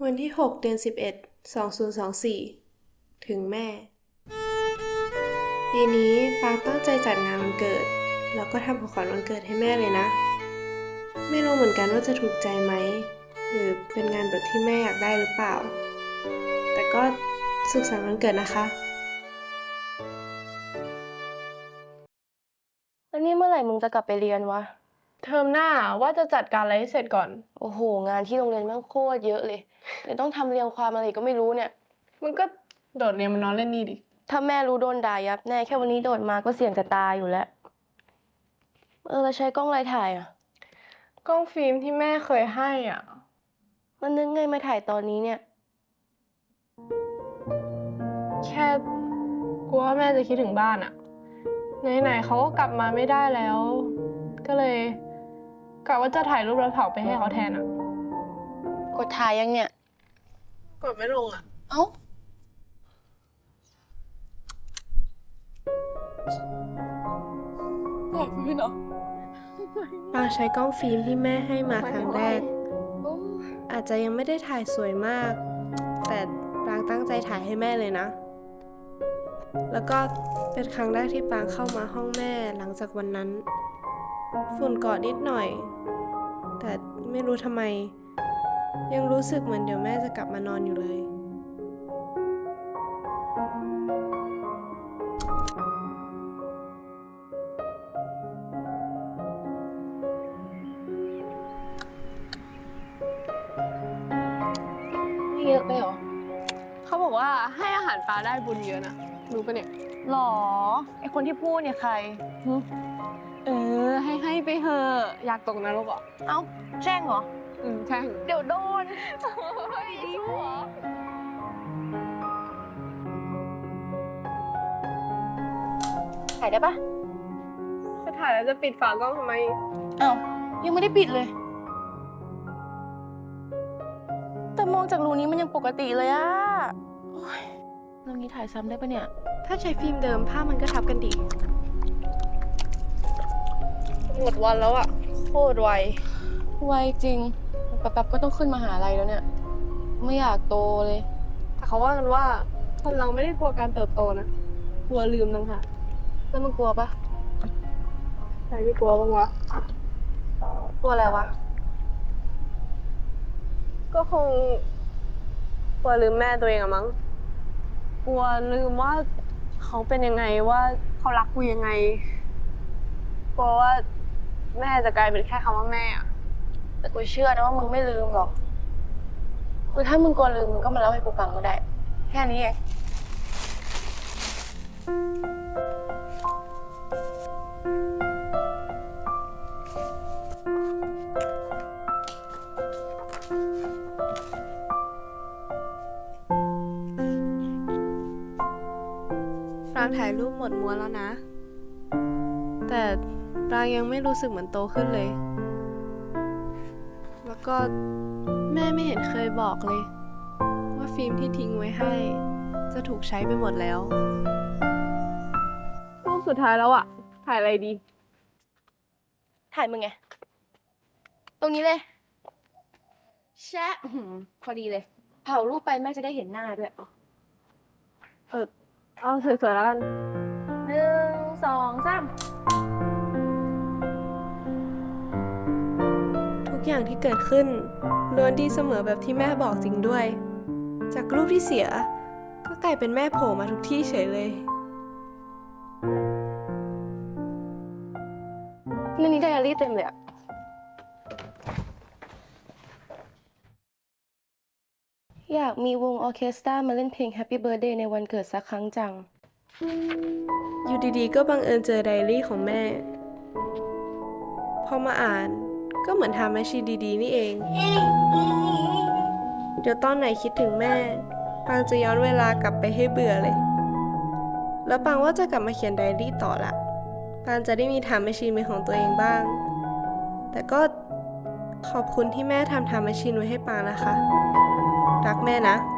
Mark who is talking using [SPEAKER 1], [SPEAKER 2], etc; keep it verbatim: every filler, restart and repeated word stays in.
[SPEAKER 1] วันที่หกเดือนสิบเอ็ดสองพันยี่สิบสี่ถึงแม่ปีนี้ปางตั้งใจจัดงานวันเกิดแล้วก็ทำของขวัญวันเกิดให้แม่เลยนะไม่รู้เหมือนกันว่าจะถูกใจไหมหรือเป็นงานแบบที่แม่อยากได้หรือเปล่าแต่ก็สุขสันต์วันเกิดนะคะ
[SPEAKER 2] แล้วนี่เมื่อไหร่มึงจะกลับไปเรียนวะ
[SPEAKER 3] เทอมหน้าว่าจะจัดการอะไรให้เสร็จก่อน
[SPEAKER 2] โอ้โหงานที่โรงเรียนแม่งโคตรเยอะเลยเดี๋ยวต้องทำเรียงความอะไรก็ไม่รู้เนี่ย
[SPEAKER 3] มันก็โดดเรียนมานอนเล่นนี่ดิ
[SPEAKER 2] ถ้าแม่รู้โดนด่ายับแน่แค่วันนี้โดดมาก็เสี่ยงจะตายอยู่แล้วเออแล้วใช้กล้องอะไรถ่ายอ่ะ
[SPEAKER 3] กล้องฟิล์มที่แม่เคยให้อ่ะ
[SPEAKER 2] มันนึกไงมาถ่ายตอนนี้เนี่ย
[SPEAKER 3] แค่กลัวว่าแม่จะคิดถึงบ้านอ่ะไหนๆเขาก็กลับมาไม่ได้แล้ว ก็เลยกะว่าจะถ่ายรูปแล้วเผาไปให้เขาแทนอ่ะ
[SPEAKER 2] กดถ่ายยังเนี่ย
[SPEAKER 3] กดไม่ลงอ่ะ
[SPEAKER 2] เอ้าถ่ายฟิล์มเหรอ
[SPEAKER 1] ปางใช้กล้องฟิล์มที่แม่ให้มาครั้งแรกอาจจะยังไม่ได้ถ่ายสวยมากแต่ปางตั้งใจถ่ายให้แม่เลยนะแล้วก็เป็นครั้งแรกที่ปางเข้ามาห้องแม่หลังจากวันนั้นฝุ่นเกาะนิดหน่อยแต่ไม่รู้ทำไมยังรู้สึกเหมือนเดี๋ยวแม่จะกลับมานอนอยู่เลย
[SPEAKER 2] ไม่เยอะไปหรอ
[SPEAKER 3] เขาบอกว่าให้อาหารปลาได้บุญเยอะนะรู้ปะเนี่ย
[SPEAKER 2] หรอไอคนที่พูดเนี่ยใคร
[SPEAKER 3] เออให้ให้ไปเถอะอยากตกนรกเหรอ
[SPEAKER 2] เอ้าแช่งเหรอ
[SPEAKER 3] อืมใช่
[SPEAKER 2] เดี๋ยวโดน
[SPEAKER 3] เฮ้ยชั่ว
[SPEAKER 2] ถ่ายได้ปะ
[SPEAKER 3] จะถ่ายแล้วจะปิดฝากล้องทำไม
[SPEAKER 2] เอ้ายังไม่ได้ปิดเลยแต่มองจากรูนี้มันยังปกติเลยอะเรื่องนี้ถ่ายซ้ำได้ปะเนี่ย
[SPEAKER 1] ถ้าใช้ฟิล์มเดิมภาพมันก็ทับกันดี
[SPEAKER 3] หมดวันแล้วอะโคตรไว
[SPEAKER 2] ไวจริงแป๊บๆก็ต้องขึ้นมหาลัยแล้วเนี่ยไม่อยากโตเลย
[SPEAKER 3] แต่เขาว่ากันว่าคนเราไม่ได้กลัวการเติบโตนะกลัวลืมต่างหาก
[SPEAKER 2] แล้วมึงกลัวปะ
[SPEAKER 3] ใครไม่กลัวบ้างวะ
[SPEAKER 2] กลัวอะไรวะ
[SPEAKER 3] ก็คงกลัวลืมแม่ตัวเองอะมั้งกลัวลืมว่าเขาเป็นยังไงว่าเขารักกูยังไงกลัวว่าแม่จะกลายเป็นแค่คำว่าแม่อะ
[SPEAKER 2] แต่กูเชื่อนะว่ามึงไม่ลืมหรอกคือถ้ามึงกลัวลืมมึงก็มาเล่าให้กูฟังก็ได้แค่นี้เอง
[SPEAKER 1] ปรางถ่ายรูปหมดม้วนแล้วนะแต่ปรางยังไม่รู้สึกเหมือนโตขึ้นเลยแล้วก็แม่ไม่เห็นเคยบอกเลยว่าฟิล์มที่ทิ้งไว้ให้จะถูกใช้ไปหมดแล้ว
[SPEAKER 3] รูปสุดท้ายแล้วอะถ่ายอะไรดี
[SPEAKER 2] ถ่ายมึงไงตรงนี้เลยแชะพอดีเลยเผารูปไปแม่จะได้เห็นหน้าด้วย
[SPEAKER 3] เออเอาสวยๆแล้วกัน
[SPEAKER 2] หนึ่งสองสาม
[SPEAKER 1] ทุกอย่างที่เกิดขึ้นล้วนดีเสมอแบบที่แม่บอกจริงด้วยจากรูปที่เสียก็กลายเป็นแม่โผล่มาทุกที่เฉยเลย
[SPEAKER 2] ในนี้ไดอารี่เต็มเลยอะอยากมีวงออร์เคสตรามาเล่นเพลง Happy Birthday ในวันเกิดสักครั้งจัง
[SPEAKER 1] อยู่ดีๆก็บังเอิญเจอไดอารี่ของแม่พอมาอ่านก็เหมือนทำแมชชีนดีๆนี่เองเดี๋ยวตอนไหนคิดถึงแม่ปางจะย้อนเวลากลับไปให้เบื่อเลยแล้วปางว่าจะกลับมาเขียนไดอารี่ต่อละปางจะได้มีทำแมชชีนเป็นของตัวเองบ้างแต่ก็ขอบคุณที่แม่ทำทำแมชชีนไว้ให้ปางนะคะรักแม่นะ